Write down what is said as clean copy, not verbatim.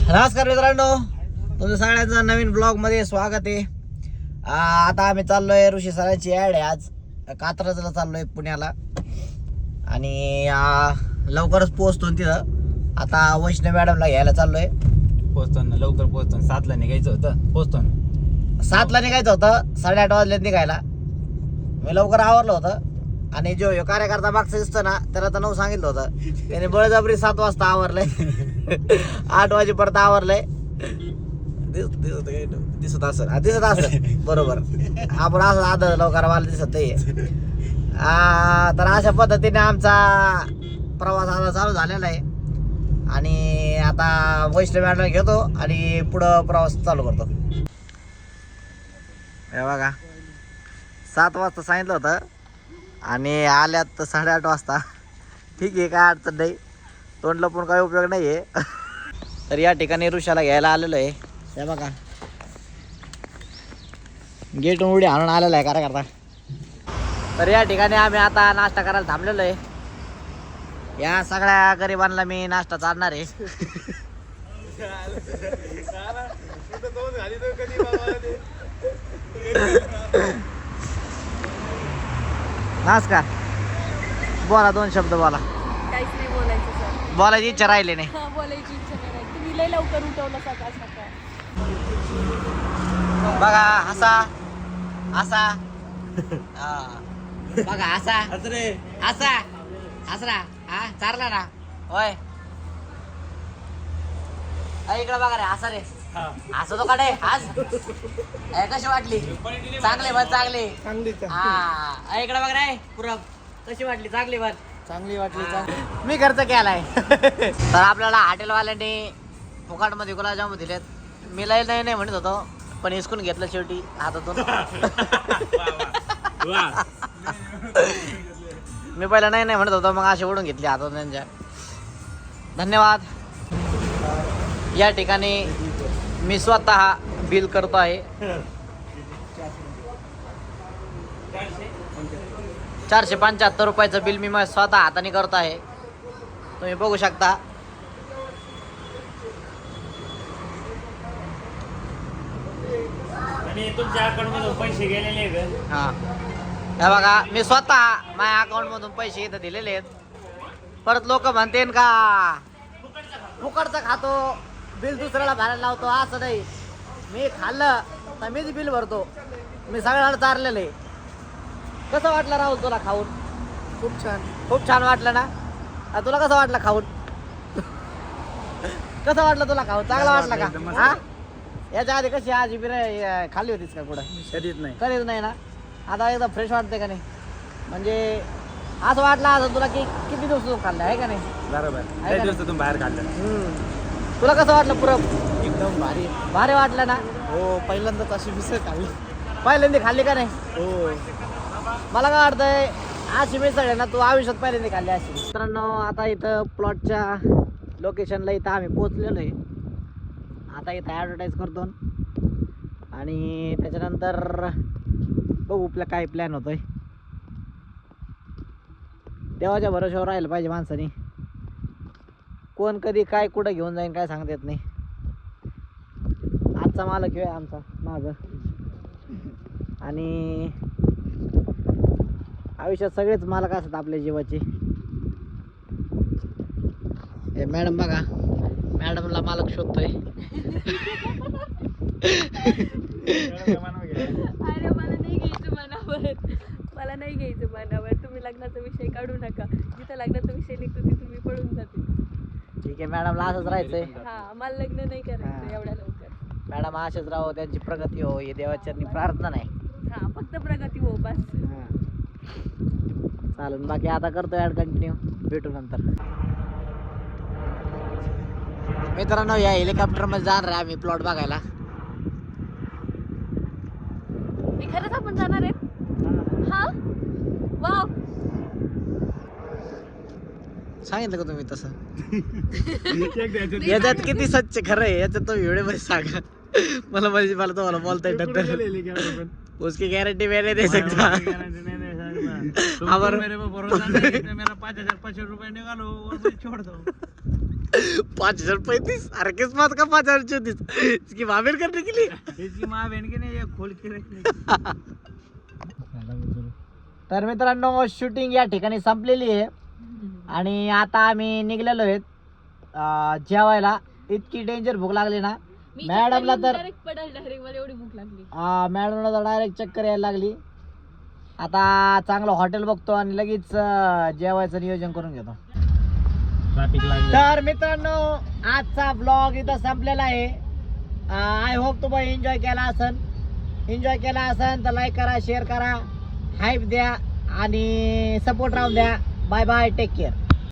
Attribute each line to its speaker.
Speaker 1: नमस्कार मित्रांनो, तुमचं सगळ्यांचं नवीन ब्लॉग मध्ये स्वागत आहे. आता आम्ही चाललोय ऋषी सरांची ॲड आहे. आज कात्रजला चाललोय पुण्याला आणि लवकरच पोहोचतो तिथं. आता वैष्णव मॅडमला घ्यायला चाललोय.
Speaker 2: पोहोचतो ना, लवकर पोहोचतो. 7ला निघायचं होतं, पोहोचतो ना.
Speaker 1: 7ला निघायचं होतं, 8:30 वाजले निघायला. मी लवकर आवरलं होतं आणि जो कार्यकर्ता मागचं दिसतो ना त्याला तर 9 सांगितलं होतं, त्याने बळजबरी 7 वाजता आवरलंय. 8 वाजेपर्यंत आवरलंय. दिसत असं बरोबर. आपण असं आदर लवकर मला दिसत नाहीये. तर अशा पद्धतीने आमचा प्रवास आता चालू झालेला आहे आणि आता वैष्णव मॅडम घेतो आणि पुढं प्रवास चालू करतो. हे बघा, 7 वाजता सांगितलं होतं आणि आल्यात तर 8:30 वाजता. ठीक आहे, काय अडचण नाही, तोंड लपून काही उपयोग नाही आहे. तर या ठिकाणी ऋषाला घ्यायला आलेलो आहे. हे बघा, गेट उडी आणून आलेला आहे कार्यकर्ता. तर या ठिकाणी आम्ही आता नाश्ता करायला थांबलेलो आहे. या सगळ्या गरिबांना मी नाश्ता चालणार आहे. नमस्कार, बोला, 2 शब्द बोला.
Speaker 3: काहीच नाही बोलायचं सर.
Speaker 1: बोलायची इच्छा राहिली नाही.
Speaker 3: बोलायची इच्छा नाही राहिली. तुम्ही लय लवकर उठवलं सकाळ सकाळ.
Speaker 1: बघा, हसा हसा. बघा, हसा हसा हसरा. हा, चारला ना होय. इकडे बघा रे, हसा रे, हसतो का रे आज? कशी वाटली? चांगली बन, चांगली. हा, इकडे बघ रे पुरब, कशी वाटली? चांगली बन, चांगली वाटली. मी खर्च केलाय. तर आपल्याला हॉटेलवाल्यांनी फुकाटमध्ये गुलाबजामुन दिलेत. मी लय नाही म्हणत होतो, पण हिसकून घेतलं शेवटी हातातून. मी पहिला नाही म्हणत होतो, मग असे ओढून घेतले हातातून त्यांच्या. धन्यवाद. या ठिकाणी मी स्वतः बिल करतो आहे. 475 रुपयाचं बिल मी स्वतः हाताने करतो आहे. तुम्ही बघू शकता.
Speaker 2: आणि तुमच्या अकाउंट मधून पैसे गेलेले का?
Speaker 1: हा, हे बघा, मी स्वतः माझ्या अकाउंट मधून पैसे इथं दिलेले आहेत. परत लोक म्हणते का फुकटचं खातो, बिल दुसऱ्याला भरायला लावतो. असं नाही, मी खाल्लं तर मीच बिल भरतो. मी सगळ्यांना चारलेलं आहे. कसं वाटलं राहुल तुला खाऊन?
Speaker 3: खूप छान.
Speaker 1: खूप छान वाटलं ना? तुला कसं वाटलं खाऊन? कसं वाटलं तुला खाऊन? चांगलं वाटलं का? हा, याच्या आधी कशी आज बिर्याणी खाल्ली होतीस का कुठं?
Speaker 2: कधीच नाही.
Speaker 1: कधीच नाही ना. आता एकदम फ्रेश वाटते का नाही? म्हणजे असं वाटलं असं तुला की किती दिवस खाल्लं आहे का नाही?
Speaker 2: बरोबर,
Speaker 1: आहे
Speaker 2: त्या
Speaker 1: का
Speaker 2: दिवसातून बाहेर काढलं.
Speaker 1: तुला कसं वाटलं पुरं?
Speaker 3: एकदम भारी.
Speaker 1: भारी वाटलं ना?
Speaker 3: हो, पहिल्यांदाच अशी मिसळ खाल्ली.
Speaker 1: पहिल्यांदा खाल्ली का नाही?
Speaker 3: हो.
Speaker 1: मला काय वाटतंय, अशी मिसळ आहे ना, तू आयुष्यात पहिल्यांदा खाल्ली अशी. मित्रांनो, आता इथं प्लॉटच्या लोकेशनला इथं आम्ही पोचलेलो आहे. आता इथं ॲडव्हर्टाईज करतो आणि त्याच्यानंतर बघू आपला काय प्लॅन होतोय. देवाच्या भरोश्यावर राहिलं पाहिजे माणसाने. कोण कधी काय कुठं घेऊन जाईन काय सांगता येत नाही. आजचा मालक आहे आमचा मागं. आणि आयुष्यात सगळेच मालक असतात आपल्या जीवाचे. हे मॅडम बघा, मॅडमला मालक शोधतोय.
Speaker 3: अरे मला नाही घ्यायचं मनावर. मला नाही घ्यायचं मनावर. तुम्ही लग्नाचा विषय काढू नका. जिथं लग्नाचा विषय निघतो तिथून मी पळून जाते.
Speaker 1: ठीक आहे, मॅडमला असंच राहायचंय.
Speaker 3: हा, मला लग्न नाही करायचं एवढ्या लवकर.
Speaker 1: मॅडम असेच राहो, त्यांची प्रगती हो, हे देवाचरणी प्रार्थना नाही.
Speaker 3: हा, फक्त प्रगती हो बस.
Speaker 1: चालेल, बाकी आता करतो ॲड कंटिन्यू. भेटू नंतर. मित्रांनो, या हेलिकॉप्टरमध्ये जाणार आहे आम्ही प्लॉट बघायला.
Speaker 3: मी खरंच आपण जाणार आहे. हा, वाव.
Speaker 1: सांगितलं का तुम्ही तसं? याच्यात किती स्वच्छ खरं आहे याच्यात तुम्ही व्हिडिओ मध्ये सांगा. मला तुम्हाला बोलता येत. उसकी गारंटी मैंने दे सकता.
Speaker 2: मेरे पे भरोसा नहीं, मेरा 5,500 रुपए निकालो और मैं छोड़ दो.
Speaker 1: 5,035 अरे किस्मत का 5,034 इसकी मामेर करने के लिए
Speaker 2: इसकी माँ बहन की नाही खोल के रखली.
Speaker 1: तर मित्रांनो शूटिंग या ठिकाणी संपलेली आहे आणि आता आम्ही निघलेलो आहेत जेवायला. इतकी डेंजर भूक लागली ना मॅडमला तर
Speaker 3: डायरेक्ट मला एवढी भूक लागली.
Speaker 1: मॅडमला तर डायरेक्ट चक्कर यायला लागली. आता चांगलं हॉटेल बघतो आणि लगेच जेवायचं नियोजन करून घेतो.
Speaker 2: ट्रॅफिक लागली.
Speaker 1: तर मित्रांनो आजचा ब्लॉग इथं संपलेला आहे. आय होप तुम्ही एन्जॉय केला असन तर लाईक करा, शेअर करा, हाईप द्या आणि सपोर्ट राहून द्या. Bye bye, take care.